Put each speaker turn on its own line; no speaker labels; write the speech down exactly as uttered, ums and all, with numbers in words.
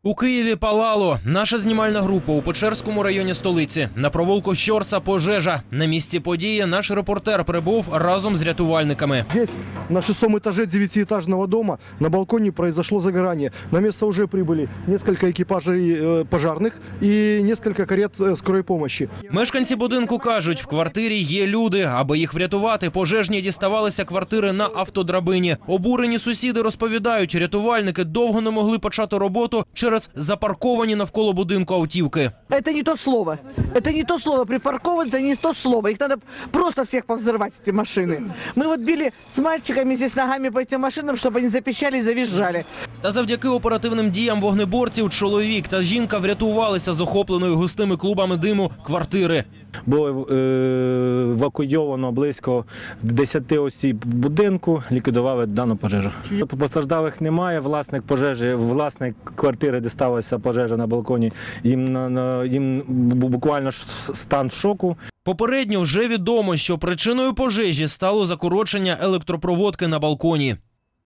У Києві палало. Наша знімальна група у Печерському районі столиці. На провулку Щорса пожежа. На місці події наш репортер прибув разом з рятувальниками.
Здесь, на шестом этаже девятиэтажного дома, на балконе произошло загорание. На место уже прибыли несколько экипажей пожарных и несколько карет скорой помощи.
Мешканці будинку кажуть, в квартирі є люди. Аби їх врятувати, пожежні діставалися квартири на автодрабині. Обурені сусіди розповідають, рятувальники довго не могли почати роботу через запарковані навколо будинку автівки.
Это не то слово. Это не то слово. Припарковано, это не то слово. Их надо просто всех повзрывать, эти машины. Мы вот били с мальчиками здесь ногами по этим машинам, чтобы они запищали и завизжали.
Та завдяки оперативним діям вогнеборців чоловік та жінка врятувалися з охопленої густими клубами диму квартири.
Було е, евакуйовано близько десяти осіб будинку, ліквідували дану пожежу. Постраждалих немає, власник пожежі, власник квартири, де сталася пожежа на балконі, їм, на, їм буквально стан шоку.
Попередньо вже відомо, що причиною пожежі стало закорочення електропроводки на балконі.